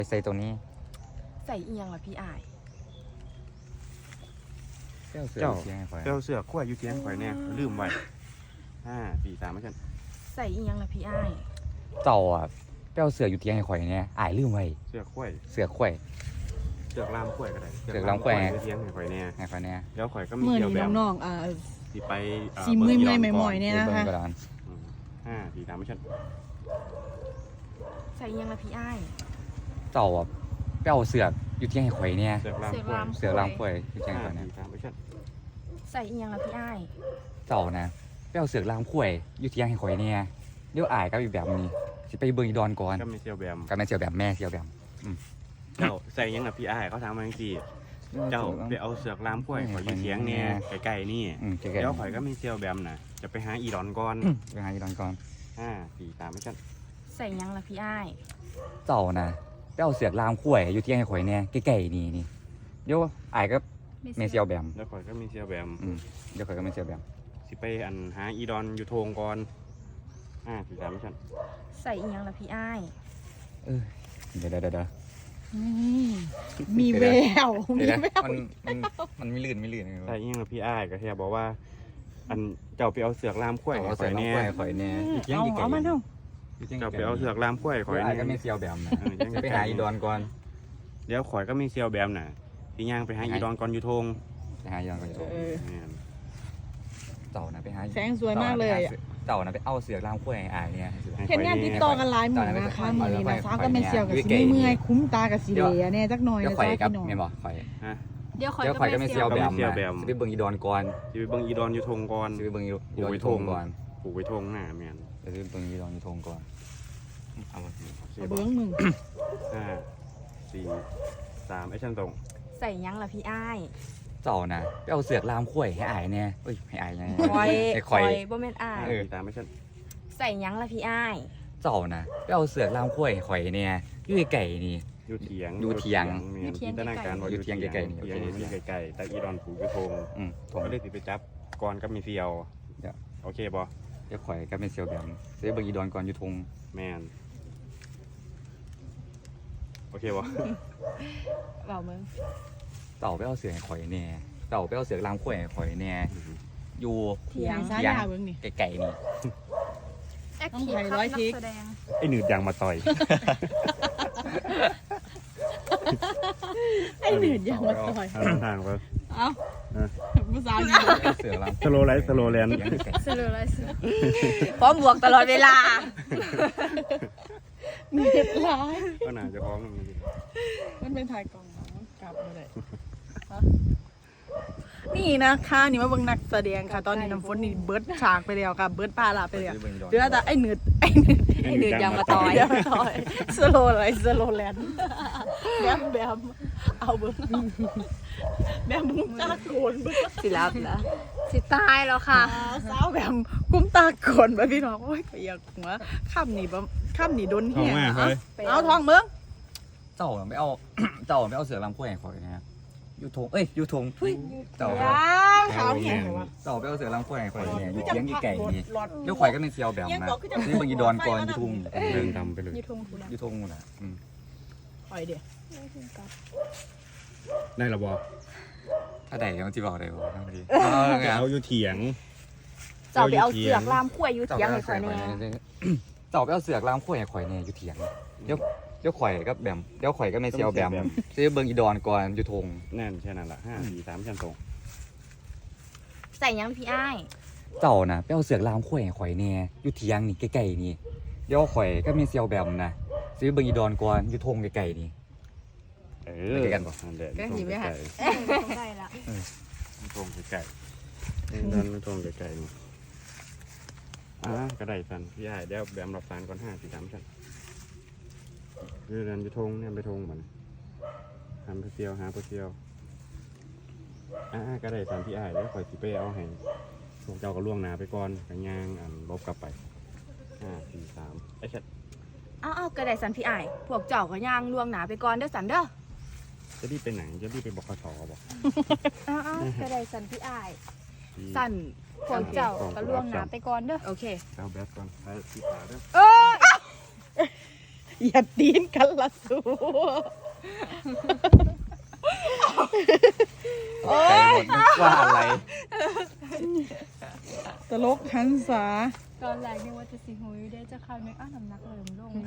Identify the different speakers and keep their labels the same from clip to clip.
Speaker 1: ใส่ตัวนี้
Speaker 2: ใส่เอียงล่ะพี่อาย
Speaker 1: เจ้าเสือเสียงไอ้ข่อย
Speaker 3: เจ้าเสือขั้วอยู่เทียงข่อยแน่ลืมไว้5 4 3ไม่ใช่
Speaker 2: ใส่เอียงล่ะพี่อาย
Speaker 1: เจ้าอ่ะเจ้าเสืออยู่เตียงไอ้ข่อยเนี่ยอายลืมไว้
Speaker 3: เสือขั้ว
Speaker 1: เสือข่อย
Speaker 3: เสือลามขั้วก็ได้
Speaker 1: เสือกลามขั้ว
Speaker 3: เทียงข่อยแน่
Speaker 1: ไอ้ข่อยเนี่ย
Speaker 3: แล้วข่อยก็มี
Speaker 4: เมื่อ
Speaker 3: เกี่ยว
Speaker 4: นี้
Speaker 3: แบบ
Speaker 4: น้อง
Speaker 3: สิไป
Speaker 4: สีมือเมื่อยใหม่ๆเนี่ยนะ
Speaker 1: เบิ่ง
Speaker 4: คะ
Speaker 1: กระดาน
Speaker 3: 5 4 3ไม่ใช่
Speaker 2: ใส่เอียงล่ะพี่อาย
Speaker 1: เจ้าอ่ะเจ้าเสืออยู่เตียงไอ้ข่อยเนี่ย
Speaker 3: เสือกลามขั้ว
Speaker 1: เสือลามข่อยอยู่เตียงไอ้ข่อยเนี่ย
Speaker 3: 5 4 3ไม่ใช่
Speaker 2: ใส่เอียงล่ะพี่อาย
Speaker 1: เจ้านะเจ้าเสือลามข่อยอยู่เตียงไอ้ข่อยเนี่ยเดี๋ยวอายก็อีกแบบนี้สิไปเบิ่งอีดอนก่อน
Speaker 3: ก็มีเซียวแบม
Speaker 1: กับแม่เสียวแบบแม่เสียวแบบ
Speaker 3: เจ้าใส่ยังกับพี่อ้ายเขาทำมาจังซี่เจ้าไปเอาเสือกลามขั้วข่อยอยู่เทียงเนี่ยไกลๆนี่
Speaker 1: เจ๊แก
Speaker 3: เดี๋ยวข่อยก็มีเซียวแบมน่ะจะไปหาอีดอนก่อน
Speaker 1: ไปหาอีดอนก่อน
Speaker 3: 5 4 3ไม่ใช่
Speaker 2: ใส่เอียงล่ะพี่อาย
Speaker 1: เจ้านะเจ้าเสือลามข่อยอยู่เตียงไอ้ข่อยเนี่ยใกล้ๆนี่เดี๋ยวอายก็แม่เสียวแบบ
Speaker 3: แล้วข่อยก็มีเซียวแบม
Speaker 1: เดี๋ยวข่อยก็แม่เสียวแบบ
Speaker 3: สิไปอันหาอีดอนอยู่โทงก่อน4 3ไม่ใช่
Speaker 2: ใส่เอียงล่ะพี่อาย
Speaker 1: เดี๋ยว
Speaker 4: มีแววมี
Speaker 1: เดี๋ยว
Speaker 4: แวว
Speaker 1: มันไม่ลื่น
Speaker 3: ใส่ยังกับพี่อ้ายก็แค่บอกว่า อันเจ้าไปเอาเสือกลามขั้ว
Speaker 1: เอา
Speaker 3: ข่
Speaker 1: เสื
Speaker 3: อ
Speaker 1: อย ลาม
Speaker 3: เนี่ย
Speaker 1: ข่อยเนี่ยอยู่เตียง
Speaker 4: เอามาเท่า
Speaker 3: เจ้าไปเอาเสือกลามขั้วข่อย
Speaker 1: อายก็
Speaker 3: เนี่
Speaker 1: ไม่
Speaker 3: ย
Speaker 1: เสียวแบบนะ
Speaker 3: ยัง
Speaker 1: ไปหาอีดอนก่อน
Speaker 3: เดี๋ยวข่อยก็มีเซียวแบมน่ะพี่ย่างไปหาอีดอนก่อนอยู่โทง
Speaker 1: ไปหาอีดอนก่อน
Speaker 3: เนี่ย
Speaker 1: เต่านะไปหา
Speaker 4: แสงสวยมากเลย
Speaker 1: เต่านะไปเอาเสือลามข่อยอายเนี่ย
Speaker 4: เห็นงานติดต่อกันหลายหมู่นะคะมือนี้นะฟ้าก็เป็นเซียวกับสีเมื่อยคุ้มตากับสีเหลียเนี่ยจักหน่อย
Speaker 1: เดี๋ยว
Speaker 4: นะ
Speaker 1: ข่อย
Speaker 4: จ๊ะ
Speaker 1: กับ
Speaker 4: พี่น้อง
Speaker 1: เมียบอกข่อย
Speaker 2: เดี๋ยว
Speaker 1: เดี๋ยวข่อยก็ไม่เสียวแบบ
Speaker 3: เสี่ยวแบบ
Speaker 1: จะไปเบิ่งอีดอนก่อน
Speaker 3: จะไปเบิ่งอีดอนอยู่โทงก่อน
Speaker 1: จะไปเบิ่งอีดอนอยู่ทงก่อน
Speaker 3: ปลูกไว้โทงหน้าแม่น
Speaker 1: จะไปเบิ่งอีดอนอยู่ทงก่อนเอามา
Speaker 4: เอาเบิ้งมึง
Speaker 3: 5 4 3ไอ้ชั้นตรง
Speaker 2: ใส่เอียงล่ะพี่อาย
Speaker 1: เต่านะไปเอาเสือลามข่อยให้อายเนี่ยเอ้ยให้อายไง
Speaker 2: คอย
Speaker 1: ให้
Speaker 2: ค
Speaker 1: ข่อ
Speaker 2: อย ยบ่แม่นอาย
Speaker 3: 4 3ไอ้ชั้น
Speaker 2: ใส่เอียงล่ะพี่อาย
Speaker 1: เต่านะไปเอาเสือลามข่อยให้ข่อยเนี่ยอยู่ไกลๆนี่
Speaker 3: อยู่เถียง
Speaker 1: อยู่เถียง
Speaker 3: แม่นจินตนาการว่า
Speaker 1: อยู่เถียงไกลๆนี่
Speaker 3: เถียงอยู่ที่ไกลๆแต่อีดอนปลูกอยู่โทง
Speaker 1: ทง
Speaker 3: ก็เลยสิไปจับก่อนก็มีเซียว
Speaker 1: เดี๋ยว
Speaker 3: โอเคบ่
Speaker 1: เดี๋ยวข่อยก็ไม่เสียวแบบจะไปเบิ่งอีดอนก่อนอยู่ทง
Speaker 3: แม่นโอเคบ่
Speaker 2: เบามึง
Speaker 1: เต่าไปเอาเสือให้ข่อยเนี่ยเต่าไปเอาเสือลามข่อยให้ข่อยเนี่ยอยู่
Speaker 2: เถียง
Speaker 4: ซ้ายยาเบิ้งนี่
Speaker 1: ไกลๆนี่
Speaker 2: แอค
Speaker 4: ต้อง
Speaker 2: ทีฟ
Speaker 4: ไทย
Speaker 2: ครับ
Speaker 4: ร้อย
Speaker 2: นั
Speaker 4: ทิ
Speaker 2: ก
Speaker 4: ก
Speaker 2: แสดง
Speaker 3: ไอ้หนืดยางมาต่อย
Speaker 4: ไอ้หนืดยังมาต่อย
Speaker 3: ทางว่า
Speaker 4: เอ้าภาษาดี
Speaker 1: เอาเสือลาม
Speaker 3: สโลไลท์สโลแลนด์
Speaker 1: เสียงไกล
Speaker 2: สรุปเลยพร้อมบวกตลอดเวลา
Speaker 4: เนืดร้าย
Speaker 3: ก็น่าจะพร้อมกันจริง
Speaker 4: มันเป็นถ่ายกล่องกลับมาเลยนี่นะคะนี่มาเบิ่งนักแสดงค่ะ ตอนนี้น้ำฝนนี่เบิร์ดฉากไปแล้วค่ะเบิร์ดปลาละไปแล้วเดี๋ยวแต่ไอ้หนืด
Speaker 2: ไอ้หนืดยางมาต่อย
Speaker 4: เดี๋ยวมาต่อยสโลอะไรสโลแลนด์แบบเอาเบิ้งแบมบุ้มตาโกนเบิ้ง
Speaker 2: สิรับนะสิตายแล้วค่ะ
Speaker 4: สาวแบบกุ้มตาโกนไปพี่น้องโอ้ยก็อยากหัวข้ามนี่บ่ข้ามนี่โดน
Speaker 3: ท้อง
Speaker 4: เหี้ย
Speaker 3: มากเลย
Speaker 4: เอาทองเบิ้ง
Speaker 1: เต่าไม่เอา เต่าไม่เอาเสือลามข่อยให้ข่อยนะอยู่ทงอยู่ทงเต่า
Speaker 4: ย่างขาวเหี้ยเหรอวะ
Speaker 1: เต่าไปเอาเสือลามข่อยให้ข่อยเนี่ยอยู่เตียงไกลๆนี่เดี๋ยวข่อยก็ไม่เสียวแบบนะนี่เบิ่งอีดอนก่อนอยู่ทง
Speaker 3: เดินดำไปเลย
Speaker 4: ยูทงถูกแล้ว
Speaker 1: อยู่ทงนู่นน่ะ
Speaker 4: ปล่อยเดี๋ยว
Speaker 3: ได้หรอบอ
Speaker 1: ถ้าใดก็ที่บอกได้บ่ทั้งดี
Speaker 3: เอาอยู่เถียง
Speaker 2: เจ้าไปเอาเสือกลามขั้วอยู่
Speaker 1: เต่า
Speaker 2: เถียง
Speaker 1: ไป
Speaker 2: ให้
Speaker 1: เอา
Speaker 2: ข่
Speaker 1: เสื
Speaker 2: อ
Speaker 1: อย ข่อย
Speaker 2: แน่
Speaker 1: เต่าไปเอาเสือกลามข่อยให้ข่อยเนี่ยอยู่เถียงเดี๋ยวข่อยก็แบบเดี๋ยวข่อยก็ไม่เสียวแบบซื้อเบิ่งอีดอนก่อนอยู่ทง
Speaker 3: นั่นแค่นั้นละ5 4 3ชั้นตรง
Speaker 2: ใส่เอียงพี่อ้าย
Speaker 1: เต่านะไปเอาเสือกลามข่อยให้ข่อยเนี่ยอยู่เถียงนี่ใกล้ๆนี่เดี๋ยวข่อยก็ไม่เสียวแบบนะซื้อเบิ่งอีดอนก่อนอยู่ทงใกล้ๆนี่ ไปกันบ่
Speaker 3: นั่นแหละ
Speaker 4: ก็หนีไม่หัน
Speaker 2: ได้ละ
Speaker 3: ตรงไก่นั่นตรงไก่นี่ก็ได้สันพี่ใหญ่เดี๋ยวแบมรับสารก่อน5 4 3ชั้นคือเดินไปทงเนี่ยไปทงมันทำไปเซียวหาไปเซียวก็ได้สันพี่ใหญ่เดี๋ยวคอยสิไปเอาให้พวกเจ้าก็ล่วงหนาไปก่อนกันย่างลบกลับไป5 4 3ไอ้ชัด
Speaker 2: เอากระไดสันพี่อ้ายพวกเจ้าก็ย่างล่วงหนาไปก่อนเด้อสันเด้อ
Speaker 3: จะรีบไปไหนจะรีบไปบกสบอก
Speaker 2: เอากระไดสันพี่อ้ายสันพวกเจ้าก็ล่วงหนาไปก่อนเด้อโอเค
Speaker 3: เอาแบตก่อนไปที่ขาด้วย
Speaker 4: อย่าตีนกันละสู
Speaker 1: ใจหมดนึกว่าอะไร
Speaker 4: ตลกหันษา
Speaker 2: ตอนแรกนี่ว่าจะสิหุยได้จะเข้านึกน้ำหนักเริ่มลง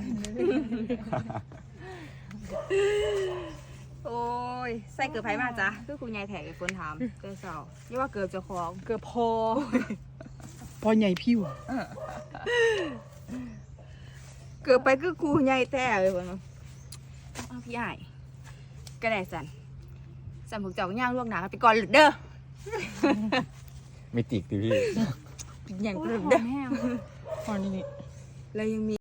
Speaker 2: โอ้ยใส่เกือบไผมาจ้ะคือคุณยายแถกไอ้คนถามเจ้าสาวนี่ว่าเกือบเจะคล้าของ
Speaker 4: เกือบพอใหญ่ผิว
Speaker 2: เกือบไปคือครูใหญ่แท้เลยคนเอาพี่ใหญ่ก็ได้สันพวกเจ้าย่างล่วงหนากันไปก่อนเด้อ
Speaker 1: ไม่ติกดิพี่
Speaker 2: อย่างกระเด้อ
Speaker 4: พอนี่
Speaker 2: แล้วยังมี